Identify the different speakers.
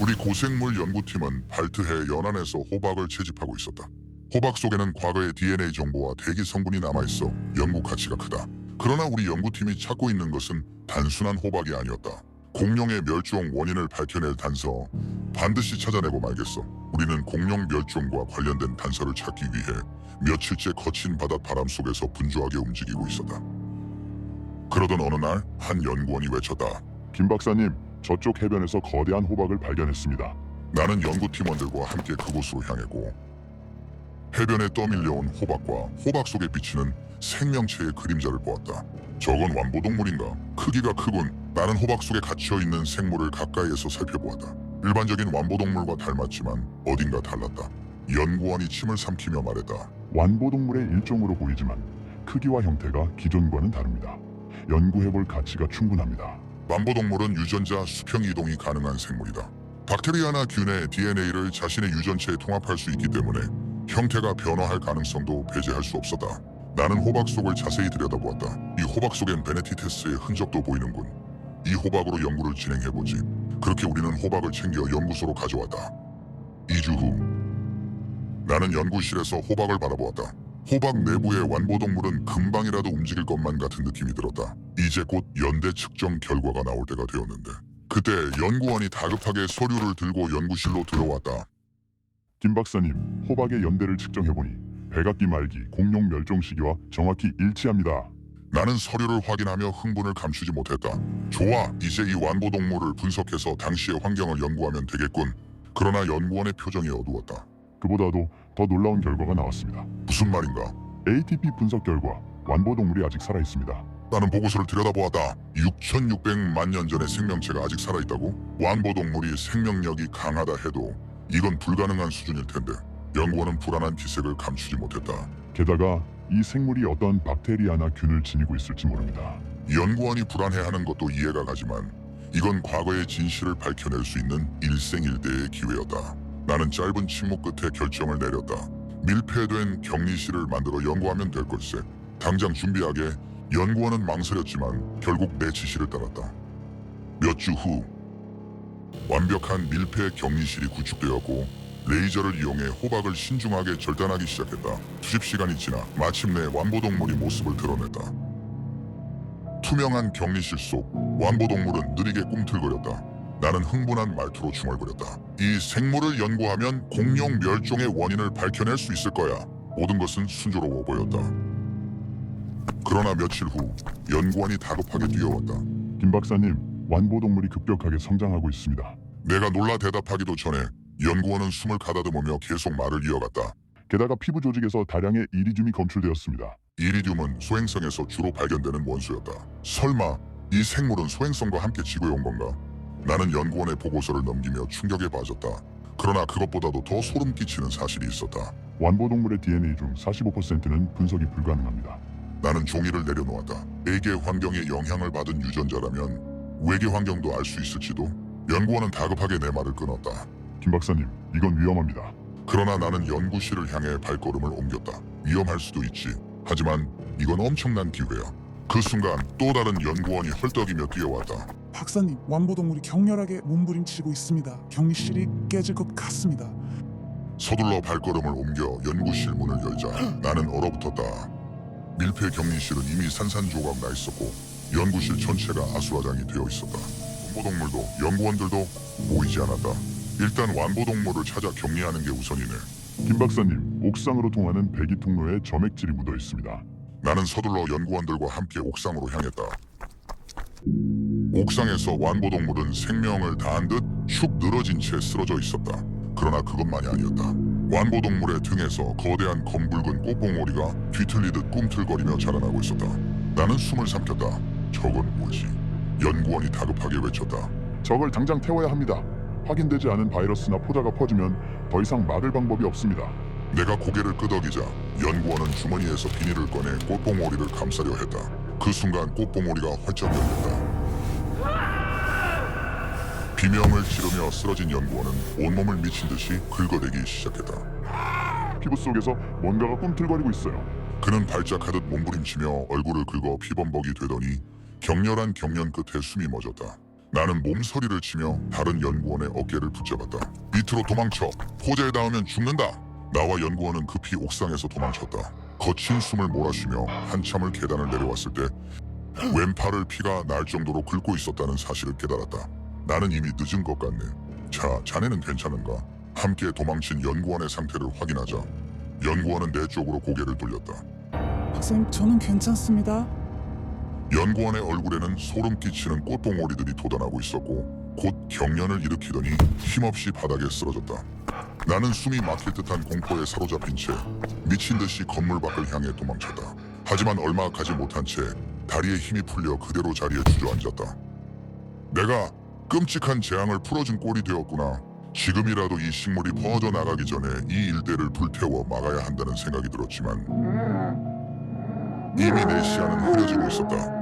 Speaker 1: 우리 고생물 연구팀은 발트해 연안에서 호박을 채집하고 있었다. 호박 속에는 과거의 DNA 정보와 대기 성분이 남아있어 연구 가치가 크다. 그러나 우리 연구팀이 찾고 있는 것은 단순한 호박이 아니었다. 공룡의 멸종 원인을 밝혀낼 단서, 반드시 찾아내고 말겠어. 우리는 공룡 멸종과 관련된 단서를 찾기 위해 며칠째 거친 바닷바람 속에서 분주하게 움직이고 있었다. 그러던 어느 날 한 연구원이 외쳤다.
Speaker 2: 김 박사님, 저쪽 해변에서 거대한 호박을 발견했습니다.
Speaker 1: 나는 연구팀원들과 함께 그곳으로 향했고 해변에 떠밀려온 호박과 호박 속에 비치는 생명체의 그림자를 보았다. 저건 완보동물인가? 크기가 크군. 나는 호박 속에 갇혀있는 생물을 가까이에서 살펴보았다. 일반적인 완보동물과 닮았지만 어딘가 달랐다. 연구원이 침을 삼키며 말했다.
Speaker 2: 완보동물의 일종으로 보이지만 크기와 형태가 기존과는 다릅니다. 연구해볼 가치가 충분합니다.
Speaker 1: 완보동물은 유전자 수평 이동이 가능한 생물이다. 박테리아나 균의 DNA를 자신의 유전체에 통합할 수 있기 때문에 형태가 변화할 가능성도 배제할 수 없었다. 나는 호박 속을 자세히 들여다보았다. 이 호박 속엔 베네티테스의 흔적도 보이는군. 이 호박으로 연구를 진행해보지. 그렇게 우리는 호박을 챙겨 연구소로 가져왔다. 2주 후 나는 연구실에서 호박을 바라보았다. 호박 내부의 완보동물은 금방이라도 움직일 것만 같은 느낌이 들었다. 이제 곧 연대 측정 결과가 나올 때가 되었는데 그때 연구원이 다급하게 서류를 들고 연구실로 들어왔다.
Speaker 2: 김 박사님, 호박의 연대를 측정해보니 백악기 말기 공룡 멸종 시기와 정확히 일치합니다.
Speaker 1: 나는 서류를 확인하며 흥분을 감추지 못했다. 좋아, 이제 이 완보동물을 분석해서 당시의 환경을 연구하면 되겠군. 그러나 연구원의 표정이 어두웠다.
Speaker 2: 그보다도 더 놀라운 결과가 나왔습니다.
Speaker 1: 무슨 말인가?
Speaker 2: ATP 분석 결과 완보동물이 아직 살아있습니다.
Speaker 1: 나는 보고서를 들여다보았다. 6,600만 년 전의 생명체가 아직 살아있다고? 완보동물이 생명력이 강하다 해도 이건 불가능한 수준일 텐데 연구원은 불안한 기색을 감추지 못했다.
Speaker 2: 게다가 이 생물이 어떤 박테리아나 균을 지니고 있을지 모릅니다.
Speaker 1: 연구원이 불안해하는 것도 이해가 가지만 이건 과거의 진실을 밝혀낼 수 있는 일생일대의 기회였다. 나는 짧은 침묵 끝에 결정을 내렸다. 밀폐된 격리실을 만들어 연구하면 될 걸세. 당장 준비하게. 연구원은 망설였지만 결국 내 지시를 따랐다. 몇 주 후 완벽한 밀폐 격리실이 구축되었고 레이저를 이용해 호박을 신중하게 절단하기 시작했다. 수십 시간이 지나 마침내 완보동물이 모습을 드러냈다. 투명한 격리실 속 완보동물은 느리게 꿈틀거렸다. 나는 흥분한 말투로 중얼거렸다. 이 생물을 연구하면 공룡 멸종의 원인을 밝혀낼 수 있을 거야. 모든 것은 순조로워 보였다. 그러나 며칠 후 연구원이 다급하게 뛰어왔다.
Speaker 2: 김 박사님, 완보동물이 급격하게 성장하고 있습니다.
Speaker 1: 내가 놀라 대답하기도 전에 연구원은 숨을 가다듬으며 계속 말을 이어갔다.
Speaker 2: 게다가 피부 조직에서 다량의 이리듐이 검출되었습니다.
Speaker 1: 이리듐은 소행성에서 주로 발견되는 원소였다. 설마 이 생물은 소행성과 함께 지구에 온 건가? 나는 연구원의 보고서를 넘기며 충격에 빠졌다. 그러나 그것보다도 더 소름 끼치는 사실이 있었다.
Speaker 2: 완보동물의 DNA 중 45%는 분석이 불가능합니다.
Speaker 1: 나는 종이를 내려놓았다. 외계 환경에 영향을 받은 유전자라면 외계 환경도 알 수 있을지도? 연구원은 다급하게 내 말을 끊었다.
Speaker 2: 김 박사님, 이건 위험합니다.
Speaker 1: 그러나 나는 연구실을 향해 발걸음을 옮겼다. 위험할 수도 있지. 하지만 이건 엄청난 기회야. 그 순간 또 다른 연구원이 헐떡이며 뛰어왔다.
Speaker 3: 박사님, 완보동물이 격렬하게 몸부림치고 있습니다. 격리실이 깨질 것 같습니다.
Speaker 1: 서둘러 발걸음을 옮겨 연구실 문을 열자 나는 얼어붙었다. 밀폐 격리실은 이미 산산조각 나 있었고 연구실 전체가 아수라장이 되어 있었다. 완보동물도 연구원들도 보이지 않았다. 일단 완보동물을 찾아 격리하는 게 우선이네.
Speaker 2: 김 박사님, 옥상으로 통하는 배기 통로에 점액질이 묻어 있습니다.
Speaker 1: 나는 서둘러 연구원들과 함께 옥상으로 향했다. 옥상에서 완보동물은 생명을 다한 듯 축 늘어진 채 쓰러져 있었다. 그러나 그것만이 아니었다. 완보동물의 등에서 거대한 검붉은 꽃봉오리가 뒤틀리듯 꿈틀거리며 자라나고 있었다. 나는 숨을 삼켰다. 저건 뭐지? 연구원이 다급하게 외쳤다.
Speaker 2: 저걸 당장 태워야 합니다. 확인되지 않은 바이러스나 포자가 퍼지면 더 이상 막을 방법이 없습니다.
Speaker 1: 내가 고개를 끄덕이자 연구원은 주머니에서 비닐을 꺼내 꽃봉오리를 감싸려 했다. 그 순간 꽃봉오리가 활짝 열렸다. 비명을 지르며 쓰러진 연구원은 온몸을 미친 듯이 긁어대기 시작했다.
Speaker 2: 피부 속에서 뭔가가 꿈틀거리고 있어요.
Speaker 1: 그는 발작하듯 몸부림치며 얼굴을 긁어 피범벅이 되더니 격렬한 경련 끝에 숨이 멎었다. 나는 몸서리를 치며 다른 연구원의 어깨를 붙잡았다. 밑으로 도망쳐. 포자에 닿으면 죽는다. 나와 연구원은 급히 옥상에서 도망쳤다. 거친 숨을 몰아쉬며 한참을 계단을 내려왔을 때 왼팔을 피가 날 정도로 긁고 있었다는 사실을 깨달았다. 나는 이미 늦은 것 같네. 자, 자네는 괜찮은가? 함께 도망친 연구원의 상태를 확인하자. 연구원은 내 쪽으로 고개를 돌렸다.
Speaker 3: 박사님, 저는 괜찮습니다.
Speaker 1: 연구원의 얼굴에는 소름 끼치는 꽃봉오리들이 돋아나고 있었고 곧 경련을 일으키더니 힘없이 바닥에 쓰러졌다. 나는 숨이 막힐 듯한 공포에 사로잡힌 채 미친 듯이 건물 밖을 향해 도망쳤다. 하지만 얼마 가지 못한 채 다리에 힘이 풀려 그대로 자리에 주저앉았다. 내가 끔찍한 재앙을 풀어준 꼴이 되었구나. 지금이라도 이 식물이 퍼져나가기 전에 이 일대를 불태워 막아야 한다는 생각이 들었지만 이미 내 시야는 흐려지고 있었다.